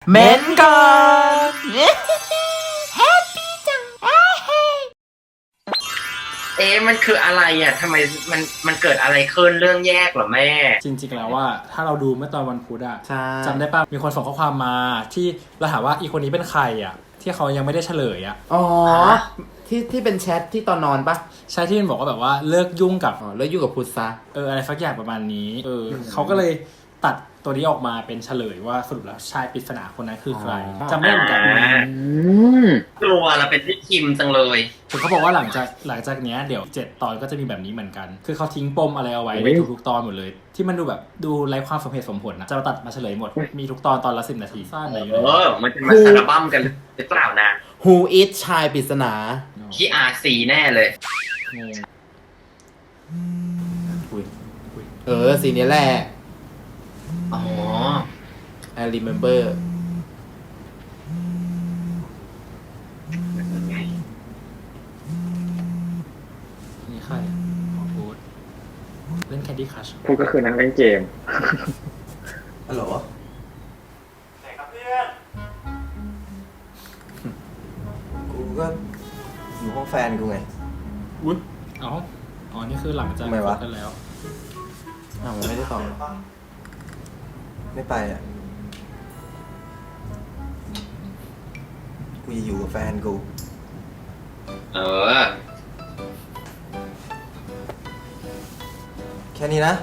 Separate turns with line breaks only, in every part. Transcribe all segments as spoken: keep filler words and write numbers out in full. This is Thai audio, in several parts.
เม้นก่อน
แฮปปี้จังเ
อ๊ะมันคืออะไรอ่ะทำไมมันมันเกิดอะไรขึ้นเรื่องแยกเหรอแม่
จริงๆแล้วว่าถ้าเราดูเมื่อตอนวันพุธอะ
ใช่
จำได้ป่ะมีคนส่งข้อความมาที่เราถามว่าอีคนนี้เป็นใครอะที่เขายังไม่ได้เฉลยอะ
อ๋อที่ที่เป็นแชทที่ตอนนอนปะ
ใช่ที่มันบอกว่าแบบว่าเลิกยุ่งกับ
อ๋อแล้วอยู่กับพุทธซะ
เอออะไรสักอย่างประมาณนี้เออเขาก็เลยตัดตัวนี้ออกมาเป็นเฉลยว่าสรุปแล้วชายปริศนาคนนั้นคือใครจำไม่ได้เหมือนกัน
กลัวเราเป็นพี่คิมจังเลย
คือเขาบอกว่าหลังจากหลังจากเนี้ยเดี๋ยวเจ็ดตอนก็จะมีแบบนี้เหมือนกัน คือเขาทิ้งปมอะไรเอาไว้ในทุกๆตอนหมดเลย ที่มันดูแบบดูไร้ความสมเหตุสมผลนะจะมาตัดมาเฉลยหมดมีทุกตอนตอนละสิบนาทีสั้นอะไรอยู่
เอ
เลย
อมันจะมาสารบั้มกันหรือเปล่านะ
Who is ชายปริศนา
ที่อาร์ซีแน่เลย
งง
อุ้ยเออสีนี้แหละ
อ๋อ
I remember
นี่ใครหมอพูดเล่น Candy Crush
พูดก็คือนั่งเล่นเกม
ฮัลโหล
ไหนครับเพื่อน
กูก็อยู่ห้องแฟนกูไง
อุ้ยอ๋ออ๋อนี่คือหลังจาก
ทำไมวะ
คบกันแล้ว
อ้าวไม่ได้ตอบ
ไม่ไปอ่ะ กูจะอยู่กับแฟนกู
เออ
แค่นี้นะ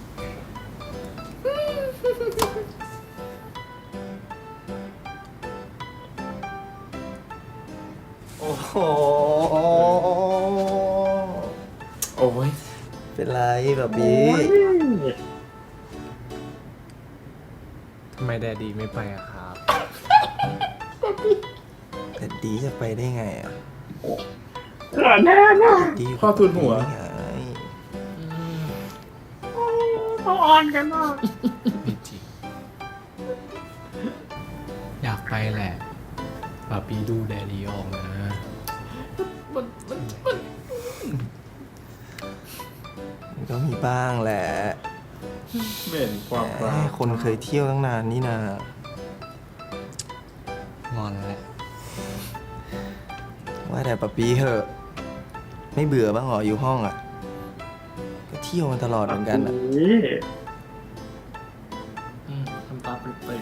โอ้โห
โอ้ย
เป็นไรแบบนี้
ทำไมแดดดีไม่ไปอะครับ
แต่ดีจะไปได้ไงอ่ะ
เกิดแน่นะ
ดียู่
พ่อทุนหัว
ไง
เขาออนกันมาก
ไม่จริง อยากไปแหละปาปีดูแดดดีออกนะ
มันก็มีบ้างแหละ
เบ่นความ
แห
รั
ม
ก
คนเคยเที่ยวตั้งนานนี่นา
งอนแหละ
ว่าแต่ปะปีเหอะ ไม่เบื่อบ้างเหรออยู่ห้องอ่ะ ก็เที่ยวมันตลอดเหมือนกันอ่ะ
อืมทำตาปริบ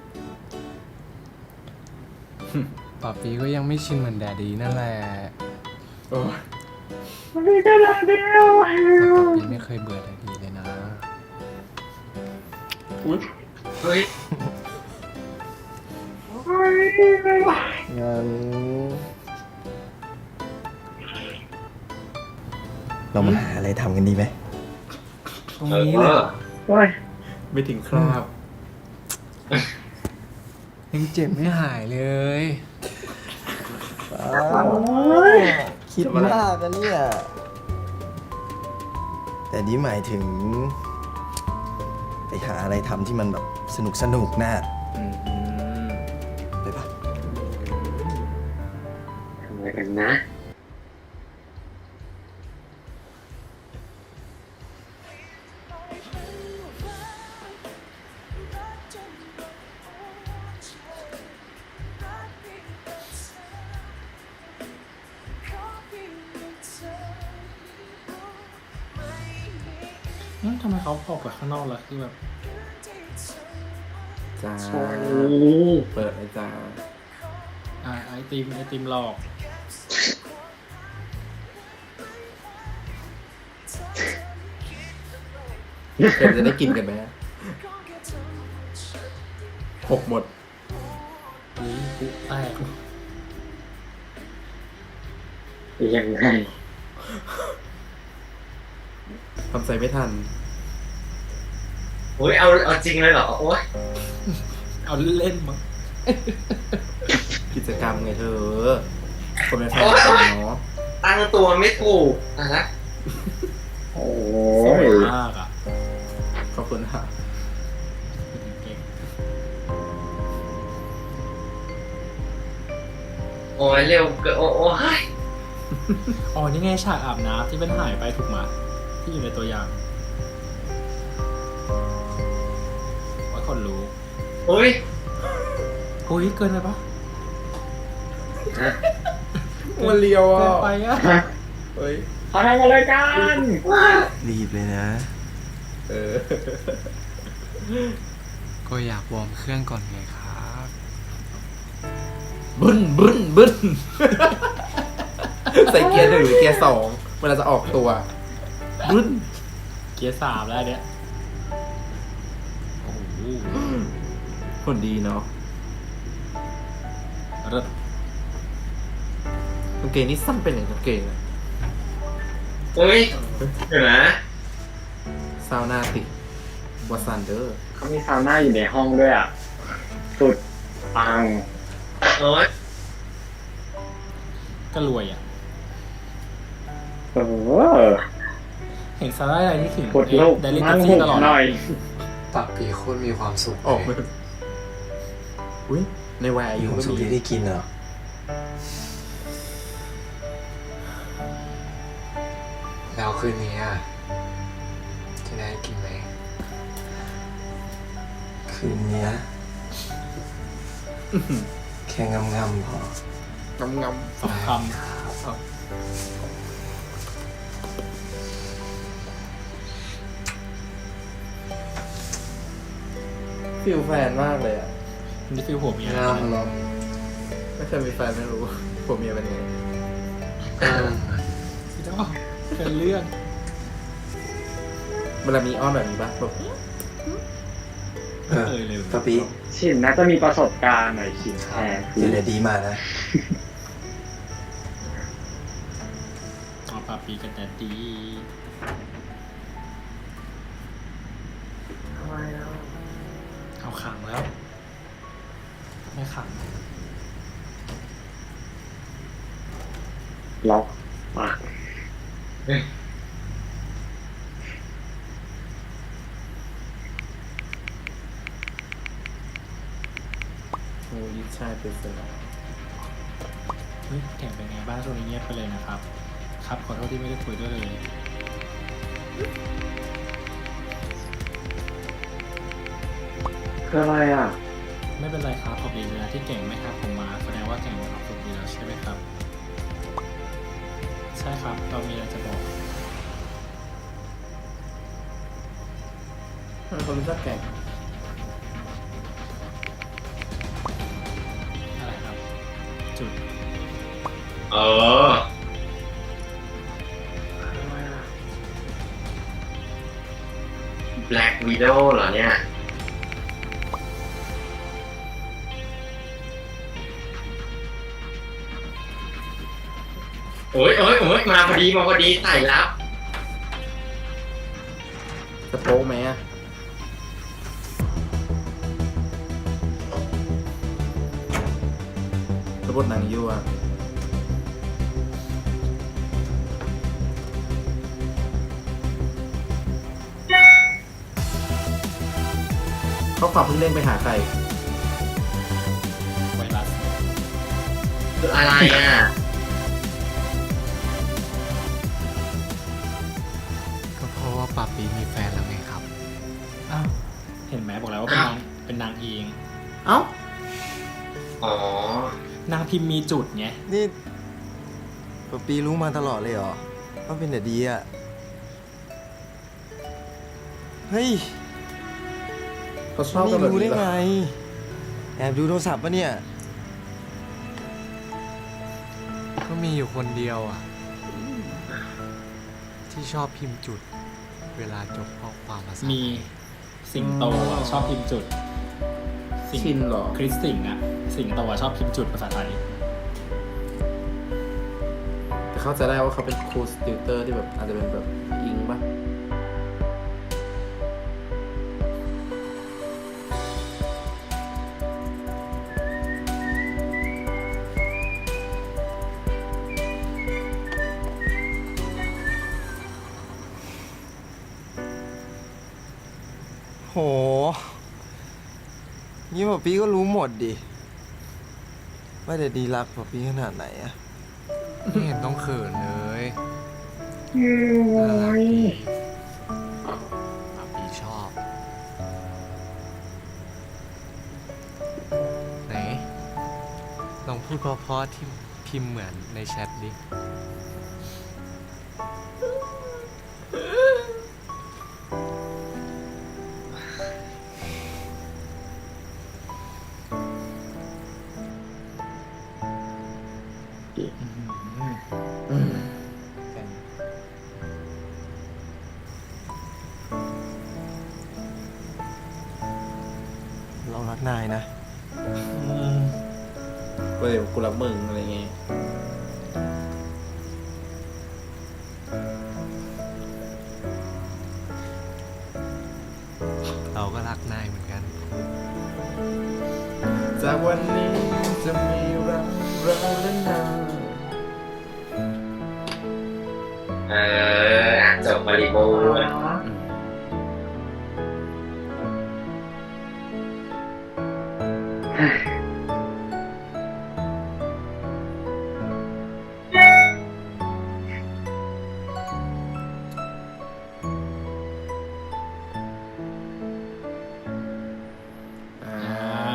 ปาปีก็ยังไม่ชินเหมือนแดดดีนั่นแหละ
โอ้ย
มันมีแค่เราเดียว
แต่ปาปีไม่เคยเบื่อแดดดีเลยนะ
อุ้ย
เฮ้ย
งั้นเรามาหาอะไรทำกันดีไหม
ตรง
เอ
นี้แหละ
อ
โอ้ย
ไม่ถึงคราบ
ยังเจ็บไม่หายเลย
คิดมากกันเนี่ย แต่นี่หมายถึง ไปหาอะไรทำที่มันแบบสนุกสนุกนะไปปะ
ทำอะไรกันนะ
ๆอืมทำไมเขาออกไปข้างนอกแล้วคือแบบ
จ้า เปิดเลยจ้า
อ่าไอติมไอติมหลอก
เดี๋ยวจะได้กินกันไหมหกหมด
อุ้ยปุ๊แตก
ยังไง
ทำใจไม่ทัน
โอ้ยเอาเอาจริงเลยเหรอ โอ้ย
เอาเล่นมั้ง
กิจกรรมไงเธอ คนเป็นแฟนกันเนาะ
ตั้งตัวไม่ถูกนะ
โอ้
สวย
ย
มากอ่ะ
ขอบคุณค่ะ
เก่ง
โอ้ยเร็วเกินโอ้โอ้ย
อ๋อนี่ไงฉากอาบน้ำที่เป็นหายไปถูกมาที่อยู่ในตัวอย่างไว้คนรู้
โอ้ย
โอ้ยเกินไปปะ
มันเลียว
เกิ
อ่ะ
นไปอะ
เฮ้ย
เขาทำอะไรกัน
รีบเลยนะ
เออ
ก็อยากวอร์มเครื่องก่อนไงครับ
บึ้นบึ้นบึ้น ใส่เกียร์หนึ่งหรือเกียร์สองเวลาจะออกตัวบึ้น
เกียร์สามแล้วเนี่ยโอ้โห
คนดีเนาะ
เลิศ
กางเกงนี่สั้นเป็นอย่างกางเกงอะ
เฮ้ยเดี๋ยวนะ
ซาวนาติวาซันเดอร์
เขามีซาวน่าอยู่ในห้องด้วยอ่ะ สุดปัง
โอ๊ย
ก็รวยอ่ะ
เออ
เห็นซาร่าอะไรที่ถึง
กดโลก
ไดลิ
มั่
ทั
ง
ซี่
หุบ
ตลอด
หน่อย
ปากปีโคตรมีความสุข
ออก
เล
มาย อุ้ยในวัยอา
อ
ยุ
ยู่
ก็
สุข
มี
ที่ได้กินเหรอ
แล้วคืนนี้อะจะได้กินไหม
คืนเนี้ยแค่งำๆพอ
งำง
สองค
ำฟิลแฟนมากเลยอ่ะ
ำนี่ฟิลหัวเมีย
งามเหรอ
ไม่เคยมีแฟนไม่รู้ผมเมียเป็นไง
เออ
เจ้าเป็นเรื่อง
เวลามีอ้อนแบบนี้ปะแบบ
เออ
เอ่ยเลย
ปะปี
ชินน่าจะมีประสบการณ์หน่อยชินแทน
เดี๋ยวเดี๋ยวดีมานะ
เอาปาปีกันแต่ดี เอาขังแล้ว ไม่ขัง
ล็อกปาก
โอ้ยชายเป็นเสือ
เฮ้ยแข่งเป็นไงบ้างช่วงนี้เงียบไปเลยนะครับ ครับขอโทษที่ไม่ได้คุยด้วยเลย
คืออะไรอ่ะ
ไม่เป็นไรครับขอบคุณเวลาที่เก่งไม่ครับผมมาแสดงว่าเก่งมีความสุขดีแล้วใช่ไหมครับ ใช่ครับเรามีอะไรจะบอก
มันคนรู้จักแก่ง
อะไรครับ จุด
เออ Black Widow เหรอเนี่ย โอ้ยโอ้ยโอ้ยมาพอดีมาพอดีใส่แล้ว
จะโป๊ะไหมอะระบบหนังยั่วเขาความเพิ่งเล่นไปหาใคร
ไวรัส
คืออะไรอ่ะ
ก็เพราะว่าปากปีมีแฟนแล้วไงครับ
อ้าว เห็นไหมบอกแล้วว่าเป็นนาง เป็นนางเอง
เอ้า
อ๋อ
นางพิมพ์มีจุดไง
นี่ปะปีรู้มาตลอดเลยเหรอ ว่าเป็นเด็กดีอ่ะ เฮ้ย
เขาชอบกัน
นี่
แบบ
รู้ได้
นี้เหร
ไง
อ
แอบดูโทรศัพท์ปะเนี่ย
ก็มีอยู่คนเดียวอ่ะ ที่ชอบพิมพ์จุด เวลาจบข้อความภาษา
มีสิงโตอะชอบพิมพ์จุด สิง
ชินเหรอ
คริสสิงห์อะสิงโตอะชอบพิมพ์จุดภาษาไทย
แต่เข้าใจได้ว่าเขาเป็นครูสติวเตอร์ที่แบบอาจจะเป็นแบบอิงปะ
โห นี่ปะปีก็รู้หมดดิ ว่าเด็กดีรักปะปีขนาดไหนอะ
ไม่เห็นต้องเขินเลย
โอ้
น่ารัก
ย
ดีปากปีชอบ ไหนลองพูดเพราะๆที่พิมพ์เหมือนในแชทดิ
เรารักนายนะ
เว้ยกูรักมึงอะไรเงี้ย
เราก็รักนายเหมือนกัน
จากวันนี้จะมีเราเราและนาย
เอออ่ะจบบริบูรณ์
อ่า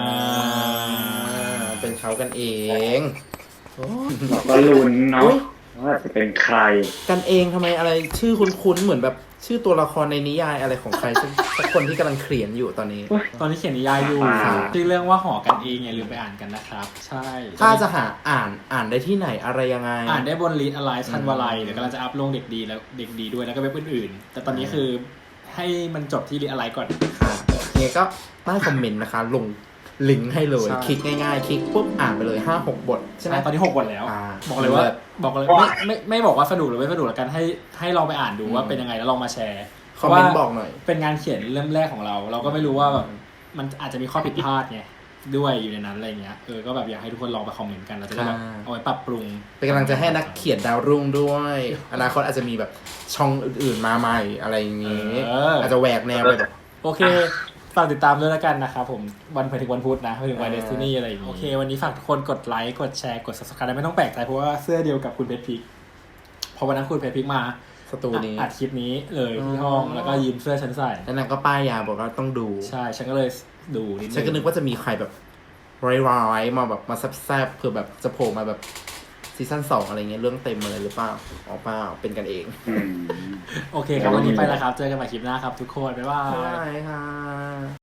เป็นเขากันเอง
เราก็ลุ้นเนาะว่าจะเป็นใคร
กันเองทำไมอะไรชื่อคุ้นๆเหมือนแบบชื่อตัวละครในนิยายอะไรของใครสักสักคนที่กำลังเขียนอยู่ตอนนี้
ตอนนี้เขียนนิยายอยู่
อ่า
ชื่อเรื่องว่าหอกันเองอย่าลืมไปอ่านกันนะครับ ใช่
ถ้าจะหาอ่านอ่านได้ที่ไหนอะไรยังไง
อ่านได้บนลีดอะไรชันวาลัยเดี๋ยวกำลังจะอัพลงเด็กดีแล้วเด็กดีด้วยแล้วก็เว็บอื่นๆ แต่ตอนนี้คือให้มันจบที่ลีดอะไรก่อน
ค่ะเนี่ยก็ใต้คอมเมนต์นะคะ ลงลิงก์ให้เลย
ใช่
คลิกง่ายๆ คลิกปุ๊บอ่านไปเลย ห้าหก บท ใช่ไหม
ใช่ตอนนี้หกบทแล้ว
อ่า
บอกเลยว่า
เลิศ
บอกเลยไม่ไม่ไม่บอกว่าสนุกหรือไม่สนุกแล้วกันให้ให้ลองไปอ่านดูว่าเป็นยังไงแล้วลองมาแชร์
คอมเมนต์บอกหน่อย
เป็นงานเขียนเล่มแรกของเรา เราก็ไม่รู้ว่าแบบมันอาจจะมีข้อผิดพลาดไงด้วยอยู่ในนั้นอะไรเงี้ยเออก็แบบอยากให้ทุกคนลองไปคอมเมนต์กันเราจะได้แบบ
ค่ะ
เอาไว้ปรับปรุง
เป็นกำลังใจให้นักเขียนดาวรุ่งด้วย อนาคตอาจจะมีแบบช่องอื่นๆมาใหม่อะไรอย่างนี้
เอออ
อาจจะแหวกแนวไปแบบ
โอเคฝากติดตามด้วยแล้วกันนะครับผมวันไปถึงวันพุธนะไปถึงวัน
เอ
เด
อ
สตินีอะไรอย่างงี้โอเควันนี้ฝากทุกคนกดไลค์กดแชร์กด subscribe ไม่ต้องแปลกใจเพราะว่าเสื้อเดียวกับคุณเพชรพิกเพราะวันนั้นคุณเพชรพิกมา
สตูนี้
อัดคลิปนี้เลย
อ๋อ
ที่ห้องแล้วก็ยืมเสื้อฉันใส่
แล้วนางก็ป้ายยาบอกว่าต้องดู
ใช่ฉันก็เลยดูนิดนึง
ฉันก็นึกว่าจะมีใครแบบร้ายๆมาแบบมาแซบๆเผื่อแบบจะโผล่มาแบบซีซั่นสองอะไรเงี้ยเรื่องเต็มอะไรหรือเปล่าอ๋อเปล่าเป็นกันเอง
อืม
โอเคครับวันนี้ไปแล้วครับเจอกันใหม่คลิปหน้าครับทุกคนบ๊ายบาย
ใช่ค่ะ